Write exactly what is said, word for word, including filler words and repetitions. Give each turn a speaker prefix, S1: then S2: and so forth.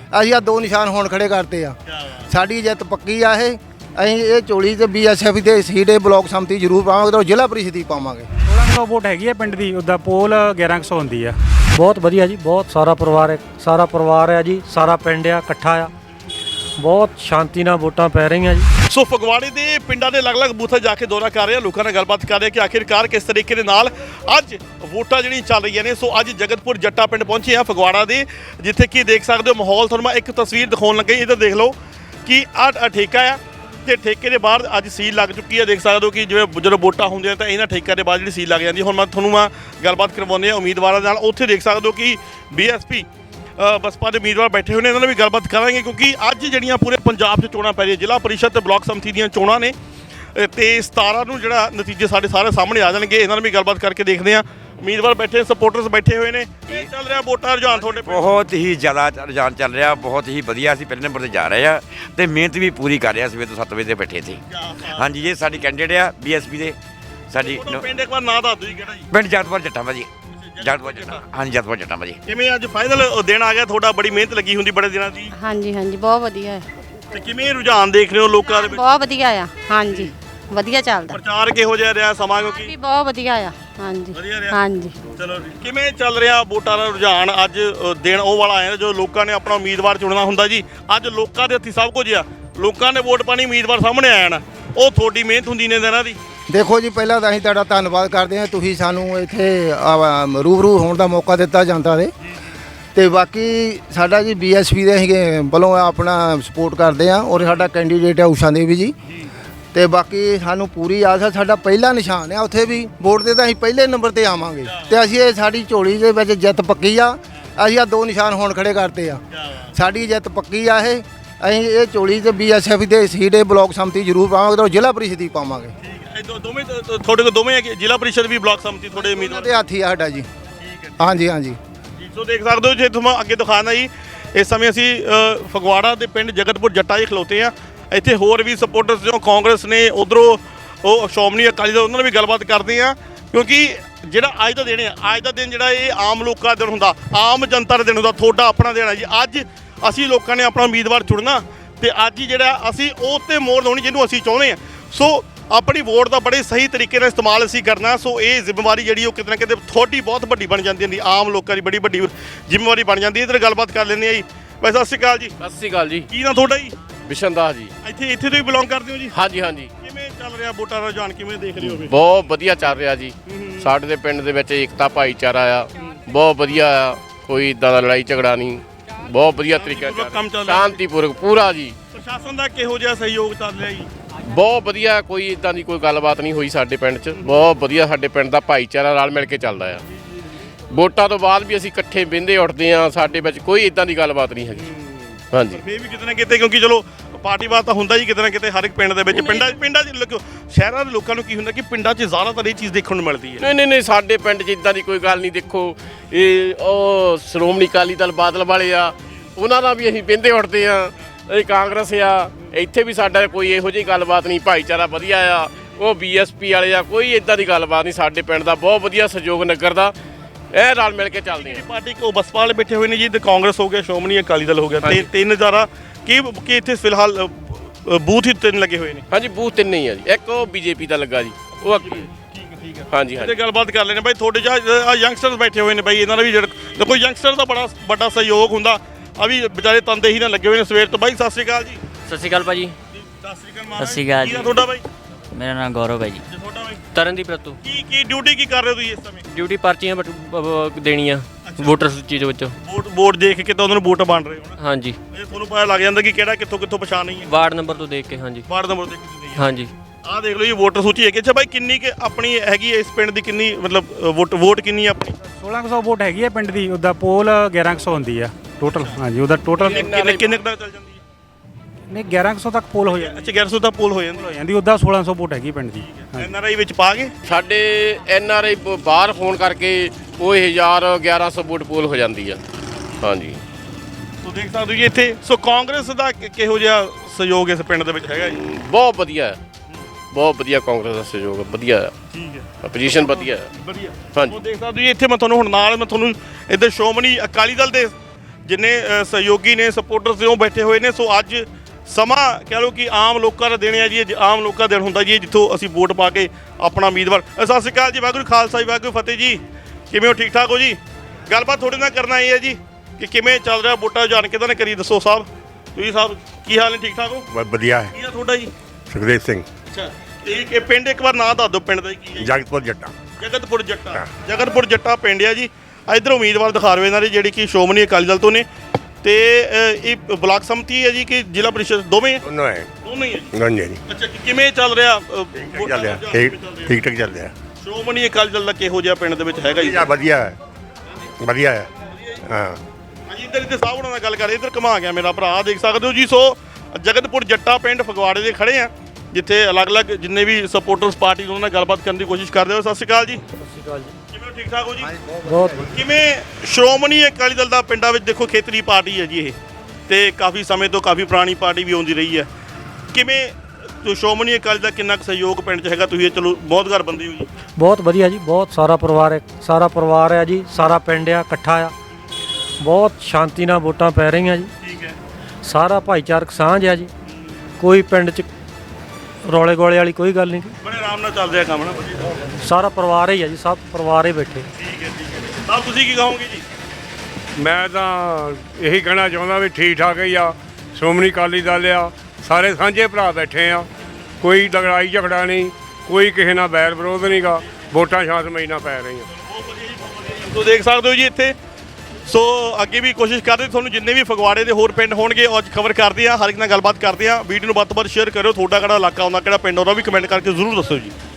S1: ਅਸੀਂ ਆ ਦੋ ਨਿਸ਼ਾਨ ਹੁਣ ਖੜੇ ਕਰਤੇ ਆ। ਸਾਡੀ ਜਿੱਤ ਪੱਕੀ ਆ। ਇਹ ਅਸੀਂ ਇਹ ਝੋਲੀ ਤੇ ਬੀ ਐਸ ਐਫ ਦੇ ਸੀਡੇ ਬਲਾਕ ਸੰਮਤੀ ਜ਼ਰੂਰ ਪਾਵਾਂਗੇ ਤੇ ਜ਼ਿਲ੍ਹਾ ਪ੍ਰੀਸ਼ਦ ਹੀ ਪਾਵਾਂਗੇ।
S2: सोलह सौ ਵੋਟ ਹੈਗੀ ਹੈ ਪਿੰਡ ਦੀ, ਉਹਦਾ ਪੋਲ ਗਿਆਰਾਂ ਸੌ ਹੁੰਦੀ ਆ।
S3: ਬਹੁਤ ਵਧੀਆ ਜੀ, ਬਹੁਤ ਸਾਰਾ ਪਰਿਵਾਰ ਹੈ, ਸਾਰਾ ਪਰਿਵਾਰ ਹੈ ਜੀ, ਸਾਰਾ ਪਿੰਡ ਆ ਇਕੱਠਾ ਆ, ਬਹੁਤ ਸ਼ਾਂਤੀ ਨਾਲ ਵੋਟਾਂ ਪੈ ਰਹੀਆਂ ਜੀ।
S4: ਸੋ ਫਗਵਾੜੇ ਦੇ ਪਿੰਡਾਂ ਦੇ ਅਲੱਗ-ਅਲੱਗ ਬੂਥਾਂ ਜਾ ਕੇ ਦੌਰਾ ਕਰ ਰਹੇ ਆ, ਲੋਕਾਂ ਨਾਲ ਗੱਲਬਾਤ ਕਰ ਰਹੇ ਕਿ ਆਖਿਰਕਾਰ ਕਿਸ ਤਰੀਕੇ ਦੇ ਨਾਲ ਅੱਜ ਵੋਟਾਂ ਜਿਹੜੀਆਂ ਚੱਲ ਰਹੀਆਂ ਨੇ। ਸੋ ਅੱਜ ਜਗਤਪੁਰ ਜੱਟਾ ਪਿੰਡ ਪਹੁੰਚੇ ਆ ਫਗਵਾੜਾ ਦੇ, ਜਿੱਥੇ ਕਿ ਦੇਖ ਸਕਦੇ ਹੋ ਮਾਹੌਲ। ਤੁਹਾਨੂੰ ਮੈਂ ਇੱਕ ਤਸਵੀਰ ਦਿਖਾਉਣ ਲੱਗਾ, ਇੱਧਰ ਦੇਖ ਲਓ ਕਿ ਆਹ ਠੇਕਾ ਆ ਤੇ ਠੇਕੇ ਦੇ ਬਾਹਰ ਅੱਜ ਸੀਲ ਲੱਗ ਚੁੱਕੀ ਹੈ। ਦੇਖ ਸਕਦੇ ਹੋ ਕਿ ਜਿਵੇਂ ਜਦੋਂ ਵੋਟਾਂ ਹੁੰਦੀਆਂ ਤਾਂ ਇਹਨਾਂ ਠੇਕਿਆਂ ਦੇ ਬਾਅਦ ਜਿਹੜੀ ਸੀਲ ਲੱਗ ਜਾਂਦੀ। ਹੁਣ ਮੈਂ ਤੁਹਾਨੂੰ ਮੈਂ ਗੱਲਬਾਤ ਕਰਵਾਉਂਦੇ ਆ ਉਮੀਦਵਾਰਾਂ ਨਾਲ। ਉੱਥੇ ਦੇਖ ਸਕਦੇ ਹੋ ਕਿ ਬੀ ਐਸ ਪੀ ਬਸਪਾ ਦੇ ਉਮੀਦਵਾਰ ਬੈਠੇ ਹੋਏ ਨੇ, ਇਹਨਾਂ ਨਾਲ ਵੀ ਗੱਲਬਾਤ ਕਰਾਂਗੇ ਕਿਉਂਕਿ ਅੱਜ ਜਿਹੜੀਆਂ ਪੂਰੇ ਪੰਜਾਬ 'ਚ ਚੋਣਾਂ ਪੈ ਰਹੀਆਂ, ਜ਼ਿਲ੍ਹਾ ਪਰਿਸ਼ਦ ਤੇ ਬਲਾਕ ਸੰਮਤੀ ਦੀਆਂ ਚੋਣਾਂ ਨੇ ਤੇ ਸਤਾਰਾਂ ਨੂੰ ਜਿਹੜਾ ਨਤੀਜੇ ਸਾਡੇ ਸਾਰੇ ਸਾਹਮਣੇ ਆ ਜਾਣਗੇ। ਇਹਨਾਂ ਨਾਲ ਵੀ ਗੱਲਬਾਤ ਕਰਕੇ ਦੇਖਦੇ ਹਾਂ। ਉਮੀਦਵਾਰ ਬੈਠੇ, ਸਪੋਰਟਰਸ ਬੈਠੇ ਹੋਏ ਨੇ। ਕੀ ਚੱਲ ਰਿਹਾ ਵੋਟਾਂ ਰੁਝਾਨ ਤੁਹਾਡੇ?
S5: ਬਹੁਤ ਹੀ ਜ਼ਿਆਦਾ ਰੁਝਾਨ ਚੱਲ ਰਿਹਾ, ਬਹੁਤ ਹੀ ਵਧੀਆ। ਅਸੀਂ ਪਹਿਲੇ ਨੰਬਰ ਤੇ ਜਾ ਰਹੇ ਆ ਤੇ ਮਿਹਨਤ ਵੀ ਪੂਰੀ ਕਰ ਰਿਹਾ। ਸਵੇਰ ਤੋਂ ਸੱਤ ਵਜੇ ਦੇ ਬੈਠੇ ਸੀ। ਹਾਂਜੀ, ਇਹ ਸਾਡੀ ਕੈਂਡੀਡੇਟ ਆ ਬੀ ਐਸ ਪੀ ਦੇ। ਸਾਡੀ
S4: ਪਿੰਡ ਇੱਕ ਵਾਰ ਨਾਂ ਦੱਸ ਦਿਓ ਜੀ, ਕਿਹੜਾ ਜੀ?
S5: ਪਿੰਡ ਜਗਤਪੁਰ ਜੱਟਾਂ ਭਾਜੀ। ਜਗਤਪੁਰ ਜੱਟਾਂ, ਹਾਂਜੀ ਜਗਤਪੁਰ ਜੱਟਾਂ ਭਾਜੀ।
S4: ਕਿਵੇਂ ਅੱਜ ਫਾਈਨਲ ਦਿਨ ਆ ਗਿਆ ਤੁਹਾਡਾ? ਬੜੀ ਮਿਹਨਤ ਲੱਗੀ ਹੁੰਦੀ ਬੜੇ ਦਿਨਾਂ ਦੀ।
S6: ਹਾਂਜੀ ਹਾਂਜੀ, ਬਹੁਤ ਵਧੀਆ ਹੈ।
S4: ਤੇ ਕਿਵੇਂ ਰੁਝਾਨ ਦੇਖ ਰਹੇ ਹੋ ਲੋਕਾਂ ਦੇ ਵਿੱਚ?
S6: ਬਹੁਤ ਵਧੀਆ ਆ। ਹਾਂਜੀ, ਵਧੀਆ ਚੱਲਦਾ।
S4: ਪ੍ਰਚਾਰ ਕਿਹੋ ਜਿਹਾ ਰਿਹਾ ਸਮਾਂ? ਕਿਉਂਕਿ
S6: ਵੀ ਬਹੁਤ ਵਧੀਆ ਆ। ਹਾਂਜੀ
S4: ਵਧੀਆ ਰਿਹਾ।
S6: ਹਾਂਜੀ,
S4: ਚਲੋ ਜੀ। ਕਿਵੇਂ ਚੱਲ ਰਿਹਾ ਵੋਟਾਂ ਦਾ ਰੁਝਾਨ? ਅੱਜ ਅ, ਦਿਨ ਉਹ ਵਾਲਾ ਆਇਆ ਜੋ ਲੋਕਾਂ ਨੇ ਆਪਣਾ ਉਮੀਦਵਾਰ ਚੁਣਨਾ ਹੁੰਦਾ ਜੀ। ਅੱਜ ਲੋਕਾਂ ਦੇ ਹੱਥੀ ਸਭ ਕੁਝ ਆ। ਲੋਕਾਂ ਨੇ ਵੋਟ ਪਾਣੀ, ਉਮੀਦਵਾਰ ਸਾਹਮਣੇ ਆਇਆ ਨਾ, ਉਹ ਤੁਹਾਡੀ ਮਿਹਨਤ ਹੁੰਦੀ ਨੇ ਦਿਨਾਂ ਦੀ।
S1: ਦੇਖੋ ਜੀ, ਪਹਿਲਾਂ ਤਾਂ ਅਸੀਂ ਤੁਹਾਡਾ ਧੰਨਵਾਦ ਕਰਦੇ ਹਾਂ, ਤੁਸੀਂ ਸਾਨੂੰ ਇੱਥੇ ਆ- ਰੂਬਰੂ ਹੋਣ ਦਾ ਮੌਕਾ ਦਿੱਤਾ ਜਾਂਦਾ ਦੇ। ਤੇ ਬਾਕੀ ਸਾਡਾ ਜੀ ਬੀ ਐਸ ਪੀ ਦੇ ਅਸੀਂ ਵੱਲੋਂ ਆਪਣਾ ਸਪੋਰਟ ਕਰਦੇ ਹਾਂ ਔਰ ਸਾਡਾ ਕੈਂਡੀਡੇਟ ਹੈ ਊਸ਼ਾ ਦੇਵੀ ਜੀ। ਤੇ ਬਾਕੀ ਸਾਨੂੰ ਪੂਰੀ ਆਸ ਹੈ, ਸਾਡਾ ਪਹਿਲਾ ਨਿਸ਼ਾਨ ਹੈ ਉੱਥੇ ਵੀ ਵੋਟ ਦੇ ਤਾਂ ਅਸੀਂ ਪਹਿਲੇ ਨੰਬਰ ਤੇ ਆਵਾਂਗੇ ਤੇ ਅਸੀਂ ਇਹ ਸਾਡੀ ਝੋਲੀ ਦੇ ਵਿੱਚ ਜਿੱਤ ਪੱਕੀ ਆ। ਅਸੀਂ ਆ ਦੋ ਨਿਸ਼ਾਨ ਹੁਣ ਖੜੇ ਕਰਤੇ ਆ। ਸਾਡੀ ਜਿੱਤ ਪੱਕੀ ਆ। ਇਹ ਅਸੀਂ ਇਹ ਝੋਲੀ ਤੇ ਬੀ ਐਸ ਐਫ ਦੇ ਸੀਡੇ ਬਲਾਕ ਸੰਮਤੀ ਜ਼ਰੂਰ ਪਾਵਾਂਗੇ ਤੇ ਜ਼ਿਲ੍ਹਾ ਪ੍ਰੀਸ਼ਦ ਹੀ ਪਾਵਾਂਗੇ।
S4: ਇਹ ਦੋ- ਦੋਵੇਂ ਤ- ਤੁਹਾਡੇ ਕੋਲ ਦੋਵੇਂ ਹੈਗੇ, ਜ਼ਿਲ੍ਹਾ ਪਰਿਸ਼ਦ ਵੀ ਬਲਾਕ ਸੰਮਤੀ ਤੁਹਾਡੇ ਉਮੀਦਵਾਰ
S1: ਤੇ ਹੱਥ ਹੀ ਆ ਸਾਡਾ ਜੀ। ਹਾਂਜੀ ਹਾਂਜੀ,
S4: ਸੋ ਦੇਖ ਸਕਦੇ ਹੋ ਜੇ ਤੁਹਾਨੂੰ ਅੱਗੇ ਦਿਖਾਣਾ ਜੀ। ਇਸ ਸਮੇਂ ਅਸੀਂ ਅ, ਫਗਵਾੜਾ ਦੇ ਪਿੰਡ ਜਗਤਪੁਰ ਜੱਟਾ 'ਚ ਖਲੋਤੇ ਆ। ਇੱਥੇ ਹੋਰ ਵੀ ਸਪੋਰਟਰਸ ਜੋ ਕਾਂਗਰਸ ਨੇ, ਉਧਰੋਂ ਉਹ ਸ਼੍ਰੋਮਣੀ ਅਕਾਲੀ ਦਲ, ਉਹਨਾਂ ਨਾਲ ਵੀ ਗੱਲਬਾਤ ਕਰਦੇ ਆ ਕਿਉਂਕਿ ਜਿਹੜਾ ਅੱਜ ਦਾ ਦਿਨ ਹੈ, ਅੱਜ ਦਾ ਦਿਨ ਜਿਹੜਾ ਇਹ ਆਮ ਲੋਕਾਂ ਦਾ ਦਿਨ ਹੁੰਦਾ, ਆਮ ਜਨਤਾ ਦਾ ਦਿਨ ਹੁੰਦਾ, ਤੁਹਾਡਾ ਆਪਣਾ ਦਿਨ ਹੈ ਜੀ। ਅੱਜ ਅਸੀਂ ਲੋਕਾਂ ਨੇ ਆਪਣਾ ਉਮੀਦਵਾਰ ਚੁਣਨਾ ਤੇ ਅੱਜ ਹੀ ਜਿਹੜਾ ਅਸੀਂ ਉਹ 'ਤੇ ਮੋਹਰ ਲਾਉਣੀ ਜਿਹਨੂੰ ਅਸੀਂ ਚਾਹੁੰਦੇ ਹਾਂ। ਸੋ ਆਪਣੀ ਵੋਟ ਦਾ ਬੜੇ ਸਹੀ ਤਰੀਕੇ ਨਾਲ ਇਸਤੇਮਾਲ ਅਸੀਂ ਕਰਨਾ। ਸੋ ਇਹ ਜ਼ਿੰਮੇਵਾਰੀ ਜਿਹੜੀ ਉਹ ਕਿਤੇ ਨਾ ਕਿਤੇ ਤੁਹਾਡੀ ਬਹੁਤ ਵੱਡੀ ਬਣ ਜਾਂਦੀ ਹੁੰਦੀ, ਆਮ ਲੋਕਾਂ ਦੀ ਬੜੀ ਵੱਡੀ ਜ਼ਿੰਮੇਵਾਰੀ ਬਣ ਜਾਂਦੀ ਹੈ। ਇੱਧਰ ਗੱਲਬਾਤ ਕਰ ਲੈਂਦੇ ਆ ਜੀ। ਭਾਈ ਸਤਿ ਸ਼੍ਰੀ ਅਕਾਲ ਜੀ।
S7: ਸਤਿ ਸ਼੍ਰੀ ਅਕਾਲ ਜੀ।
S4: ਕੀ ਨਾਂ ਤੁਹਾਡਾ ਜੀ?
S7: ਬਿਸ਼ਨ ਦਾਸ ਜੀ।
S4: ਇੱਥੇ ਇੱਥੇ ਤੋਂ ਹੀ ਬਿਲੋਂਗ ਕਰਦੇ ਹੋ ਜੀ?
S7: ਹਾਂਜੀ ਹਾਂਜੀ।
S4: ਕਿਵੇਂ ਚੱਲ ਰਿਹਾ ਵੋਟਾਂ ਦਾ ਰੁਝਾਨ, ਕਿਵੇਂ ਦੇਖ ਰਹੇ ਹੋ?
S7: ਬਹੁਤ ਵਧੀਆ ਚੱਲ ਰਿਹਾ ਜੀ। ਸਾਡੇ ਦੇ ਪਿੰਡ ਦੇ ਵਿੱਚ ਏਕਤਾ ਭਾਈਚਾਰਾ ਆ, ਬਹੁਤ ਵਧੀਆ ਆ, ਕੋਈ ਇਦਾਂ ਦਾ ਲੜਾਈ ਝਗੜਾ ਨਹੀਂ, ਬਹੁਤ ਵਧੀਆ ਤਰੀਕੇ ਨਾਲ
S4: ਕੰਮ ਚੱਲ ਰਿਹਾ।
S7: ਸ਼ਾਂਤੀਪੂਰਵਕ ਪੂਰਾ ਜੀ।
S4: ਪ੍ਰਸ਼ਾਸਨ ਦਾ ਕਿਹੋ ਜਿਹਾ ਸਹਿਯੋਗ ਚੱਲ ਰਿਹਾ ਜੀ?
S7: ਬਹੁਤ ਵਧੀਆ, ਕੋਈ ਇਦਾਂ ਦੀ ਕੋਈ ਗੱਲਬਾਤ ਨਹੀਂ ਹੋਈ ਸਾਡੇ ਪਿੰਡ 'ਚ। ਬਹੁਤ ਵਧੀਆ, ਸਾਡੇ ਪਿੰਡ ਦਾ ਭਾਈਚਾਰਾ ਰਲ ਮਿਲ ਕੇ ਚੱਲਦਾ ਆ। ਵੋਟਾਂ ਤੋਂ ਬਾਅਦ ਵੀ ਅਸੀਂ ਇਕੱਠੇ ਬਹਿੰਦੇ ਉੱਠਦੇ ਆ, ਸਾਡੇ ਵਿੱਚ ਕੋਈ ਇਦਾਂ ਦੀ ਗੱਲਬਾਤ ਨਹੀਂ ਹੈਗੀ। ਹਾਂਜੀ,
S4: ਫੇਰ ਵੀ ਕਿਤੇ ਨਾ ਕਿਤੇ, ਕਿਉਂਕਿ ਚਲੋ ਪਾਰਟੀਵਾਦ ਤਾਂ ਹੁੰਦਾ ਜੀ ਕਿਤੇ ਨਾ ਕਿਤੇ ਹਰ ਇੱਕ ਪਿੰਡ ਦੇ ਵਿੱਚ। ਪਿੰਡਾਂ ਪਿੰਡਾਂ 'ਚ ਲੋਕ, ਸ਼ਹਿਰਾਂ ਦੇ ਲੋਕਾਂ ਨੂੰ ਕੀ ਹੁੰਦਾ ਕਿ ਪਿੰਡਾਂ 'ਚ ਜ਼ਿਆਦਾਤਰ ਇਹ ਚੀਜ਼ ਦੇਖਣ ਨੂੰ ਮਿਲਦੀ ਹੈ।
S7: ਨਹੀਂ ਨਹੀਂ ਨਹੀਂ, ਸਾਡੇ ਪਿੰਡ 'ਚ ਇਦਾਂ ਦੀ ਕੋਈ ਗੱਲ ਨਹੀਂ। ਦੇਖੋ, ਇਹ ਉਹ ਸ਼੍ਰੋਮਣੀ ਅਕਾਲੀ ਦਲ ਬਾਦਲ ਵਾਲੇ ਆ, ਉਹਨਾਂ ਨਾਲ ਵੀ ਅਸੀਂ ਬਹਿੰਦੇ ਉੱਠਦੇ ਆ। ਇਹ ਕਾਂਗਰਸ ਆ, ਇੱਥੇ ਵੀ ਸਾਡਾ ਕੋਈ ਇਹੋ ਜਿਹੀ ਗੱਲਬਾਤ ਨਹੀਂ, ਭਾਈਚਾਰਾ ਵਧੀਆ ਆ। ਉਹ ਬੀ ਐਸ ਪੀ ਵਾਲੇ ਆ, ਕੋਈ ਇਦਾਂ ਦੀ ਗੱਲਬਾਤ ਨਹੀਂ। ਸਾਡੇ ਪਿੰਡ ਦਾ ਬਹੁਤ ਵਧੀਆ ਸਹਿਯੋਗ ਨਗਰ ਦਾ, ਇਹ ਰਲ ਮਿਲ ਕੇ ਚੱਲਦੇ ਆ।
S4: ਪਾਰਟੀ ਕੋ ਬਸਪਾ ਵਾਲੇ ਬੈਠੇ ਹੋਏ ਨੇ ਜੀ, ਤੇ ਕਾਂਗਰਸ ਹੋ ਗਿਆ, ਸ਼੍ਰੋਮਣੀ ਅਕਾਲੀ ਦਲ ਹੋ ਗਿਆ, ਤੇ ਤਿੰਨ ਹਜ਼ਾਰਾ ਕੀ ਕੀ ਇੱਥੇ ਫਿਲਹਾਲ ਅ, ਬੂਥ ਹੀ ਤਿੰਨ ਲੱਗੇ ਹੋਏ ਨੇ।
S7: ਹਾਂਜੀ, ਬੂਥ ਤਿੰਨ ਹੀ ਆ ਜੀ। ਇੱਕ ਉਹ ਬੀਜੇਪੀ ਦਾ ਲੱਗਾ ਜੀ, ਉਹ
S4: ਠੀਕ ਹੈ ਠੀਕ ਹੈ।
S7: ਹਾਂਜੀ
S4: ਤੇ
S7: ਹਾਂਜੀ।
S4: ਗੱਲਬਾਤ ਕਰ ਲੈਣੇ ਬਾਈ, ਤੁਹਾਡੇ ਜਿਹੜਾ ਯੰਗਸਟਰਸ ਬੈਠੇ ਹੋਏ ਨੇ ਬਾਈ, ਇਹਨਾਂ ਦਾ ਵੀ ਜਿਹੜਾ ਦੇਖੋ ਯੰਗਸਟਰ ਦਾ ਬੜਾ ਵੱਡਾ ਸਹਿਯੋਗ ਹੁੰਦਾ। ਆ ਵੀ ਵਿਚਾਰੇ ਤੰਦੇ ਹੀ ਨਾਲ ਲੱਗੇ ਹੋਏ ਨੇ ਸਵੇਰ ਤੋਂ। ਬਾਈ ਸਤਿ ਸ਼੍ਰੀ ਅਕਾਲ ਜੀ।
S8: ਸਤਿ ਸ਼੍ਰੀ ਅਕਾਲ ਭਾਜੀ।
S4: ਸਤਿ ਸ਼੍ਰੀ ਅਕਾਲ
S8: ਸਤਿ ਸ਼੍ਰੀ ਅਕਾਲ
S4: ਕੀ
S8: ਜੀ।
S4: ਨਾਂ ਤੁਹਾਡਾ ਬਾਈ?
S8: ਮੇਰਾ ਨਾਮ ਗੌਰਵ ਹੈ ਜੀ।
S4: ਜੀ ਤੁਹਾਡਾ ਬਾਈ?
S8: ਤਰਨਦੀਪ ਰੱਤੂ।
S4: ਕੀ ਕੀ ਡਿਊਟੀ ਕੀ ਕਰ ਰਹੇ ਹੋ ਤੁਸੀਂ ਇਸ ਸਮੇਂ?
S8: ਡਿਊਟੀ ਪਰਚੀਆਂ ਬਟ- ਬ- ਦੇਣੀਆਂ ਵੋਟਰ ਸੂਚੀ ਦੇ ਵਿੱਚ।
S4: ਵੋਟ ਵੋਟ ਦੇਖ ਕੇ ਤਾਂ ਉਹਨਾਂ ਨੂੰ ਵੋਟ ਬਣ ਰਹੇ ਹੋ ਨਾ?
S8: ਹਾਂਜੀ,
S4: ਇਹ ਤੁਹਾਨੂੰ ਪਤਾ ਲੱਗ ਜਾਂਦਾ ਕਿ ਕਿਹੜਾ ਕਿੱਥੋਂ ਕਿੱਥੋਂ ਪਛਾਣ ਨਹੀਂ ਹੈ।
S8: ਵਾਰਡ ਨੰਬਰ ਤੋਂ ਦੇਖ ਕੇ। ਹਾਂਜੀ
S4: ਵਾਰਡ ਨੰਬਰ ਦੇਖ ਕੇ ਤੁਸੀਂ
S8: ਹਾਂਜੀ।
S4: ਆਹ ਦੇਖ ਲਓ ਜੀ ਵੋਟਰ ਸੂਚੀ ਹੈ ਕਿ ਅੱਛਾ ਬਾਈ ਕਿੰਨੀ ਕਿ ਆਪਣੀ ਹੈਗੀ ਹੈ ਇਸ ਪਿੰਡ ਦੀ, ਕਿੰਨੀ ਮਤਲਬ ਅ, ਵੋਟ ਵੋਟ ਕਿੰਨੀ ਹੈ ਆਪਣੀ?
S2: सोलह सौ ਵੋਟ ਹੈਗੀ ਹੈ ਪਿੰਡ ਦੀ, ਉਹਦਾ ਪੋਲ ਗਿਆਰਾਂ ਸੌ ਹੁੰਦੀ ਆ ਟੋਟਲ। ਹਾਂਜੀ, ਉਹਦਾ ਟੋਟਲ
S4: ਕਿੰਨੇ ਕਿੰਨੇ ਕੁ ਤੱਕ ਚੱਲ ਜਾਂਦੀ ਹੈ?
S2: ਨਹੀਂ ਗਿਆਰਾਂ ਸੌ ਤੱਕ ਪੋਲ ਹੋ ਜਾਂਦੀ
S4: ਅੱਛਾ ਗਿਆਰਾਂ ਸੌ ਤਾਂ ਪੋਲ ਹੋ ਜਾਂਦੀ
S2: ਹੋ ਜਾਂਦੀ ਉਹਦਾ ਸੋਲਾਂ ਸੌ ਵੋਟ ਹੈਗੀ ਪਿੰਡ ਦੀ।
S4: ਐਨ ਆਰ ਆਈ ਵਿੱਚ ਪਾ ਕੇ।
S7: ਸਾਡੇ ਐਨ ਆਰ ਆਈ ਬਾਹਰ ਫੋਨ ਕਰਕੇ ਉਹ ਹਜ਼ਾਰ ਗਿਆਰਾਂ ਸੌ ਵੋਟ ਪੋਲ ਹੋ ਜਾਂਦੀ ਆ। ਹਾਂਜੀ,
S4: ਸੋ ਦੇਖ ਸਕਦੇ ਹੋ ਜੀ ਇੱਥੇ। ਸੋ ਕਾਂਗਰਸ ਦਾ ਕਿ- ਕਿਹੋ ਜਿਹਾ ਸਹਿਯੋਗ ਇਸ ਪਿੰਡ ਦੇ ਵਿੱਚ ਹੈਗਾ ਜੀ?
S7: ਬਹੁਤ ਵਧੀਆ ਹੈ, ਬਹੁਤ ਵਧੀਆ ਕਾਂਗਰਸ ਦਾ ਸਹਿਯੋਗ ਵਧੀਆ ਹੈ।
S4: ਠੀਕ ਹੈ,
S7: ਪੋਜੀਸ਼ਨ ਵਧੀਆ ਹੈ।
S4: ਵਧੀਆ।
S7: ਹਾਂਜੀ।
S4: ਉਹ ਦੇਖ ਸਕਦੇ ਹੋ ਜੀ ਇੱਥੇ ਮੈਂ ਤੁਹਾਨੂੰ ਹੁਣ ਨਾਲ ਮੈਂ ਤੁਹਾਨੂੰ ਇੱਧਰ ਸ਼੍ਰੋਮਣੀ ਅਕਾਲੀ ਦਲ ਦੇ ਜਿੰਨੇ ਅ, ਸਹਿਯੋਗੀ ਨੇ ਸਪੋਰਟਰਸ ਨੇ ਉਹ ਬੈਠੇ ਹੋਏ ਨੇ। ਸੋ ਅੱਜ ਸਮਾਂ ਕਹਿ ਲਓ ਕਿ ਆਮ ਲੋਕਾਂ ਦਾ ਦਿਨ ਹੈ ਜੀ, ਇਹ ਆਮ ਲੋਕਾਂ ਦਾ ਦਿਨ ਹੁੰਦਾ ਜੀ ਜਿੱਥੋਂ ਅਸੀਂ ਵੋਟ ਪਾ ਕੇ ਆਪਣਾ ਉਮੀਦਵਾਰ। ਅ, ਸਤਿ ਸ਼੍ਰੀ ਅਕਾਲ ਜੀ, ਵਾਹਿਗੁਰੂ ਖਾਲਸਾ ਜੀ ਵਾਹਿਗੁਰੂ ਫਤਿਹ ਜੀ। ਕਿਵੇਂ ਹੋ, ਠੀਕ ਠਾਕ ਹੋ ਜੀ? ਗੱਲਬਾਤ ਤੁਹਾਡੇ ਨਾਲ ਕਰਨਾ ਇਹ ਹੈ ਜੀ ਕਿ ਕਿਵੇਂ ਚੱਲ ਰਿਹਾ ਵੋਟਾਂ ਰੁਝਾਨ ਕਿਹਦਾ ਨੇ ਕਰੀ ਦੱਸੋ ਸਾਹਿਬ। ਤੁਸੀਂ ਸਾਹਿਬ ਕੀ ਹਾਲ ਨੇ, ਠੀਕ ਠਾਕ ਹੋ?
S9: ਬਹੁਤ ਵਧੀਆ ਹੈ।
S4: ਕੀ ਆ ਤੁਹਾਡਾ ਜੀ?
S9: ਸੁਖਦੇਵ ਸਿੰਘ,
S4: ਅੱਛਾ, ਤੇ ਇਹ ਪਿੰਡ ਇੱਕ ਵਾਰ ਨਾਂ ਦੱਸ ਦਿਓ ਪਿੰਡ ਦਾ ਕੀ ਹੈ?
S9: ਜਗਤਪੁਰ ਜੱਟਾਂ।
S4: ਜਗਤਪੁਰ ਜੱਟਾ। ਜਗਤਪੁਰ ਜੱਟਾ ਪਿੰਡ ਆ ਜੀ। ਇੱਧਰ ਉਮੀਦਵਾਰ ਦਿਖਾ ਰਹੇ ਇਹਨਾਂ ਦੇ ਜਿਹੜੀ ਕਿ ਸ਼੍ਰੋਮਣੀ ਅਕਾਲੀ ਦਲ ਤੋਂ ਨੇ ਤੇ ਅ, ਇਹ ਬਲਾਕ ਸੰਮਤੀ ਹੈ ਜੀ ਕਿ ਜ਼ਿਲ੍ਹਾ ਪਰਿਸ਼ਦ ਦੋਵੇਂ ਹੈ?
S9: ਦੋਨੋਂ ਹੈ।
S4: ਦੋਨੋਂ ਹੀ ਹੈ ਜੀ।
S9: ਦੋਨੋਂ ਜੀ।
S4: ਅੱਛਾ, ਕਿ ਕਿਵੇਂ ਚੱਲ ਰਿਹਾ ਅ,
S9: ਠੀਕ
S4: ਵੋਟਾਂ
S9: ਚੱਲ ਰਿਹਾ,
S4: ਦਾ
S9: ਠੀਕ
S4: ਰੁਝਾਨ ਕਿਵੇਂ ਚੱਲ ਰਿਹਾ?
S9: ਠੀਕ ਠਾਕ ਚੱਲ ਰਿਹਾ।
S4: ਸ਼੍ਰੋਮਣੀ ਅਕਾਲੀ ਦਲ ਦਾ ਕਿਹੋ ਜਿਹਾ ਪਿੰਡ ਦੇ ਵਿੱਚ ਹੈਗਾ ਜੀ?
S9: ਵਧੀਆ ਵਧੀਆ ਹੈ, ਵਧੀਆ ਹੈ। ਹਾਂ
S4: ਹਾਂਜੀ, ਇੱਧਰ ਇੱਧਰ ਸਾਹਿਬ ਉਹਨਾਂ ਨਾਲ ਗੱਲ ਕਰ, ਇੱਧਰ ਘੁਮਾ ਗਿਆ ਮੇਰਾ ਭਰਾ, ਦੇਖ ਸਕਦੇ ਹੋ ਜੀ। ਸੋ ਜਗਤਪੁਰ ਜੱਟਾ ਪਿੰਡ ਫਗਵਾੜੇ ਦੇ ਖੜੇ ਆ ਜਿੱਥੇ ਅਲੱਗ-ਅਲੱਗ ਜਿੰਨੇ ਵੀ ਸਪੋਰਟਰਸ ਪਾਰਟੀ ਉਹਨਾਂ ਨਾਲ ਗੱਲਬਾਤ ਕਰਨ ਦੀ ਕੋਸ਼ਿਸ਼ ਕਰਦੇ ਹੋ। ਸਤਿ ਸ਼੍ਰੀ ਅਕਾਲ ਜੀ।
S3: ਸਤਿ ਸ਼੍ਰੀ ਅਕਾਲ ਜੀ।
S4: ਕਿਵੇਂ ਹੋ, ਠੀਕ ਠਾਕ ਹੋ ਜੀ?
S3: ਬਹੁਤ
S4: ਕਿਵੇਂ ਸ਼੍ਰੋਮਣੀ ਅਕਾਲੀ ਦਲ ਦਾ ਪਿੰਡਾਂ ਵਿੱਚ ਦੇਖੋ ਖੇਤਰੀ ਪਾਰਟੀ ਹੈ ਜੀ ਇਹ, ਤੇ ਕਾਫੀ ਸਮੇਂ ਤੋਂ ਕਾਫੀ ਪੁਰਾਣੀ ਪਾਰਟੀ ਵੀ ਆਉਂਦੀ ਰਹੀ ਹੈ। ਕਿਵੇਂ ਜੋ ਸ਼੍ਰੋਮਣੀ ਅਕਾਲੀ ਦਾ ਕਿੰਨਾ ਕੁ ਸਹਿਯੋਗ ਪਿੰਡ 'ਚ ਹੈਗਾ? ਤੁਸੀਂ ਇਹ ਚਲੋ ਬਹੁਤਗਰ ਬੰਦੇ ਹੋ ਜੀ।
S3: ਬਹੁਤ ਵਧੀਆ ਜੀ, ਬਹੁਤ ਸਾਰਾ ਪਰਿਵਾਰ ਹੈ, ਸਾਰਾ ਪਰਿਵਾਰ ਹੈ ਜੀ, ਸਾਰਾ ਪਿੰਡ ਆ ਇਕੱਠਾ ਆ। ਬਹੁਤ ਸ਼ਾਂਤੀ ਨਾਲ ਵੋਟਾਂ ਪੈ ਰਹੀਆਂ ਜੀ।
S4: ਠੀਕ ਹੈ।
S3: ਸਾਰਾ ਭਾਈਚਾਰਕ ਸਾਂਝ ਆ ਜੀ, ਕੋਈ ਪਿੰਡ 'ਚ ਰੌਲੇ ਗੋਲੇ ਵਾਲੀ ਕੋਈ ਗੱਲ ਨਹੀਂ।
S4: ਬੜੇ ਆਰਾਮ ਨਾਲ ਚੱਲ ਰਿਹਾ ਕੰਮ ਨਾ ਵਧੀਆ।
S3: ਸਾਰਾ ਪਰਿਵਾਰ ਹੀ ਆ ਜੀ, ਸਭ ਪਰਿਵਾਰ ਹੀ ਬੈਠੇ।
S4: ਠੀਕ ਹੈ, ਠੀਕ ਹੈ। ਸਾਹਿਬ ਤੁਸੀਂ ਕੀ ਕਹੋਗੇ ਜੀ?
S10: ਮੈਂ ਤਾਂ ਇਹੀ ਕਹਿਣਾ ਚਾਹੁੰਦਾ ਵੀ ਠੀਕ ਠਾਕ ਹੀ ਆ। ਸ਼੍ਰੋਮਣੀ ਅਕਾਲੀ ਦਲ ਆ, ਸਾਰੇ ਸਾਂਝੇ ਭਰਾ ਬੈਠੇ ਆ, ਕੋਈ ਲੜਾਈ ਝਗੜਾ ਨਹੀਂ, ਕੋਈ ਕਿਸੇ ਨਾਲ ਬੈਰ ਵਿਰੋਧ ਨਹੀਂਗਾ। ਵੋਟਾਂ ਸ਼ਾਂਤਮਈ ਨਾਲ ਪੈ ਰਹੀਆਂ।
S4: ਸੋ ਦੇਖ ਸਕਦੇ ਹੋ ਜੀ ਇੱਥੇ। ਸੋ ਅੱਗੇ ਵੀ ਕੋਸ਼ਿਸ਼ ਕਰਦੇ ਤੁਹਾਨੂੰ ਜਿੰਨੇ ਵੀ ਫਗਵਾੜੇ ਦੇ ਹੋਰ ਪਿੰਡ ਹੋਣਗੇ ਉਹ ਅੱਜ ਖਬਰ ਕਰਦੇ ਆ, ਹਰ ਇੱਕ ਨਾਲ ਗੱਲਬਾਤ ਕਰਦੇ ਆ। ਵੀਡੀਓ ਨੂੰ ਵੱਧ ਤੋਂ ਵੱਧ ਸ਼ੇਅਰ ਕਰਿਓ। ਤੁਹਾਡਾ ਕਿਹੜਾ ਇਲਾਕਾ ਆਉਂਦਾ, ਕਿਹੜਾ ਪਿੰਡ ਆਉਂਦਾ ਵੀ ਕਮੈਂਟ ਕਰਕੇ ਜ਼ਰੂਰ ਦੱਸੋ ਜੀ।